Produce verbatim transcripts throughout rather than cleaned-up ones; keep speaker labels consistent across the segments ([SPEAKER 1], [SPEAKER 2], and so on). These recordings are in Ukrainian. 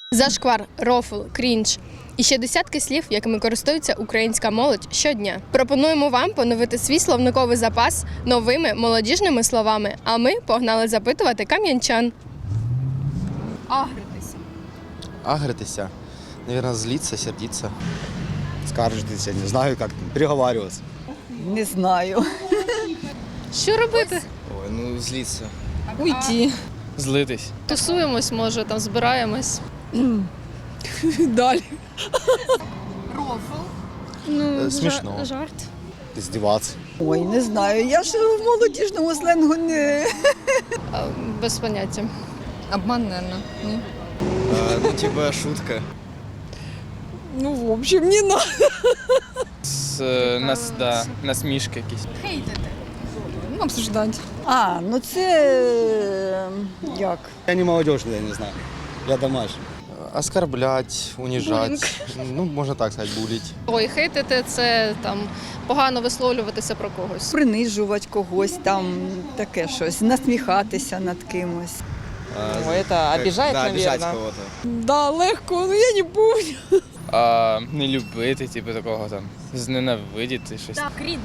[SPEAKER 1] Зашквар, рофл, крінж і ще десятки слів, якими користується українська молодь щодня. Пропонуємо вам поновити свій словниковий запас новими молодіжними словами, а ми погнали запитувати кам'янчан. Агритися.
[SPEAKER 2] Агритися? Наверное, злиться, сердиться.
[SPEAKER 3] Скаржитися, не знаю, як переговарюватися.
[SPEAKER 4] Не знаю.
[SPEAKER 1] Що робити?
[SPEAKER 2] Ой, ну злиться.
[SPEAKER 5] Уйти.
[SPEAKER 6] Злитись.
[SPEAKER 5] Тусуємось, може, там збираємось.
[SPEAKER 4] Далі.
[SPEAKER 1] Рофл.
[SPEAKER 5] Ну,
[SPEAKER 2] Смішно.
[SPEAKER 5] жа- жарт.
[SPEAKER 3] Здіватися.
[SPEAKER 4] Ой, не знаю. Я ж в молодіжному сленгу не.
[SPEAKER 5] А, без поняття.
[SPEAKER 7] Обман, наверное. Ні?
[SPEAKER 2] А, ну, типа шутка.
[SPEAKER 4] Ну, в общем, не надо.
[SPEAKER 6] З, е, нас, да, насмішки якісь.
[SPEAKER 1] Хейтити.
[SPEAKER 7] Ну, обсуждать.
[SPEAKER 4] А, ну це е, як?
[SPEAKER 3] Я не молодежний, я не знаю. Я домашній.
[SPEAKER 2] Оскорблять, унижать. Ну, можна так сказати, булить.
[SPEAKER 5] Ой, хейтити – це там погано висловлюватися про когось.
[SPEAKER 4] Принижувати когось, там таке щось, насміхатися над кимось.
[SPEAKER 8] Ну, это обижать,
[SPEAKER 2] да, обижать
[SPEAKER 8] наверное.
[SPEAKER 2] кого-то.
[SPEAKER 4] Да, легко, ну я не помню.
[SPEAKER 6] А, не любити, типу, такого там. Зненавидіти щось.
[SPEAKER 1] Крінж.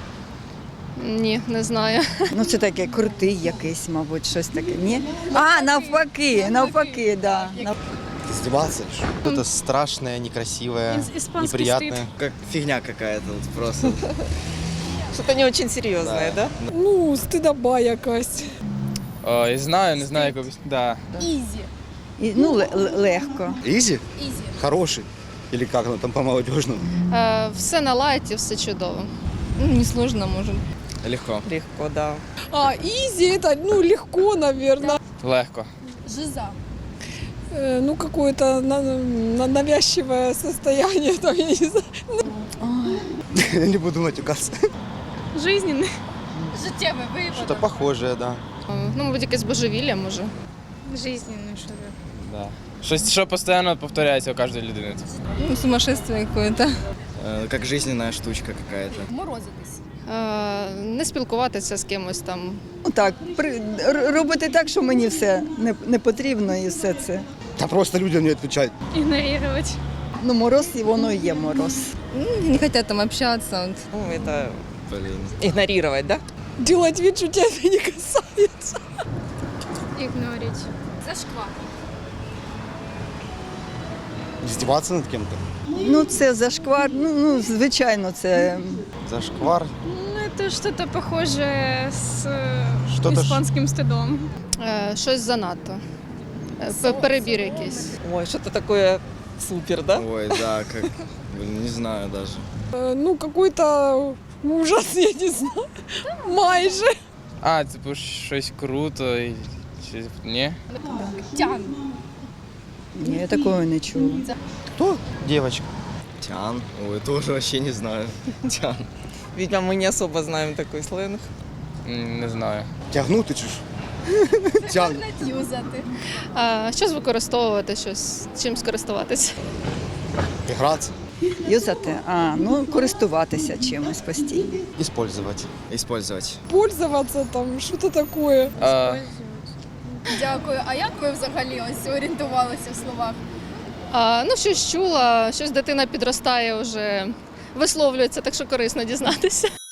[SPEAKER 5] Ні, не знаю.
[SPEAKER 4] Ну це таке крутий якийсь, мабуть, щось таке. Ні? А, навпаки, навпаки, да.
[SPEAKER 3] Здіватися?
[SPEAKER 2] Что-то страшное, некрасивое, неприятное.
[SPEAKER 8] Как фигня какая-то вот просто.
[SPEAKER 7] Что-то не очень серьезное, да?
[SPEAKER 4] Ну, стидоба якась.
[SPEAKER 6] А, я знаю, не знаю, як об'яснити. Да.
[SPEAKER 1] Ізі.
[SPEAKER 4] І, ну, ле- ле- легко.
[SPEAKER 3] Ізі?
[SPEAKER 1] Ізі.
[SPEAKER 3] Хороший. Или как оно там по-молодежному?
[SPEAKER 5] Е, все на лайті, все чудово.
[SPEAKER 7] Ну, несложно, может.
[SPEAKER 2] Легко.
[SPEAKER 8] Легко, да.
[SPEAKER 9] А, изи это, ну, легко, наверное.
[SPEAKER 6] Легко.
[SPEAKER 1] Жиза.
[SPEAKER 9] Э, ну, какое-то на- на- навязчивое состояние, там, я не знаю.
[SPEAKER 3] Я не буду матюкатися.
[SPEAKER 5] Жизненний.
[SPEAKER 1] Життєвий випадок.
[SPEAKER 2] Что-то похожее, да.
[SPEAKER 5] Ну, мабуть, якесь божевілля, може.
[SPEAKER 1] Жизненний, що ли.
[SPEAKER 6] Да. Щось, що постійно повторяється у кожної людини.
[SPEAKER 7] Ну, сумасшествие какое-то.
[SPEAKER 8] Э, Как жизненная штучка какая-то.
[SPEAKER 1] Морозитись.
[SPEAKER 5] Е, не спілкуватися з кимось там.
[SPEAKER 4] Ну так, при, р- робити так, що мені все не, не потрібно і все це.
[SPEAKER 3] Та просто людям не відповідають.
[SPEAKER 1] Ігнорувати.
[SPEAKER 4] Ну, мороз, і воно і є мороз.
[SPEAKER 7] Ну, не хотят там общаться. Вот.
[SPEAKER 8] Ну, это
[SPEAKER 2] Блин.
[SPEAKER 8] игнорировать, да?
[SPEAKER 9] Делать вид, что тебя это не касается.
[SPEAKER 1] Ігнорить. Зашквар.
[SPEAKER 3] Здіватися над ким-то.
[SPEAKER 4] Ну, це зашквар, ну, ну звичайно, це.
[SPEAKER 2] Зашквар.
[SPEAKER 1] Ну, это что-то похожее с
[SPEAKER 2] Что-то ж-
[SPEAKER 1] испанским стыдом.
[SPEAKER 5] Е, щось занадто. Е, пе- перебір якийсь.
[SPEAKER 8] Ой, что-то такое супер, да?
[SPEAKER 2] Ой, да, как... Блин, не знаю даже.
[SPEAKER 9] Э, Ну, какой-то ужас, я не знаю. Майже.
[SPEAKER 6] А, типу, щось круто і щось. Ні?
[SPEAKER 1] Тян.
[SPEAKER 4] Ні, я такого не чула.
[SPEAKER 2] Кто? Девочка.
[SPEAKER 8] Тян. Ой, тоже вообще не знаю. Тян.
[SPEAKER 7] Видимо, мы не особо знаем такой сленг.
[SPEAKER 6] М, Не знаю.
[SPEAKER 3] Тягнути чи ж? Тяг.
[SPEAKER 1] Юзати.
[SPEAKER 5] Е, щось використовувати, щось, чим скористуватися.
[SPEAKER 3] Гратися.
[SPEAKER 4] Юзати, а, ну, користуватися чимось постійно.
[SPEAKER 2] Использовать.
[SPEAKER 8] Использовать.
[SPEAKER 9] Пользоваться там, что-то такое.
[SPEAKER 6] А,
[SPEAKER 1] Дякую. А як ви взагалі ось орієнтувалися в словах?
[SPEAKER 5] А, ну, щось чула, щось дитина підростає вже, висловлюється, так що корисно дізнатися.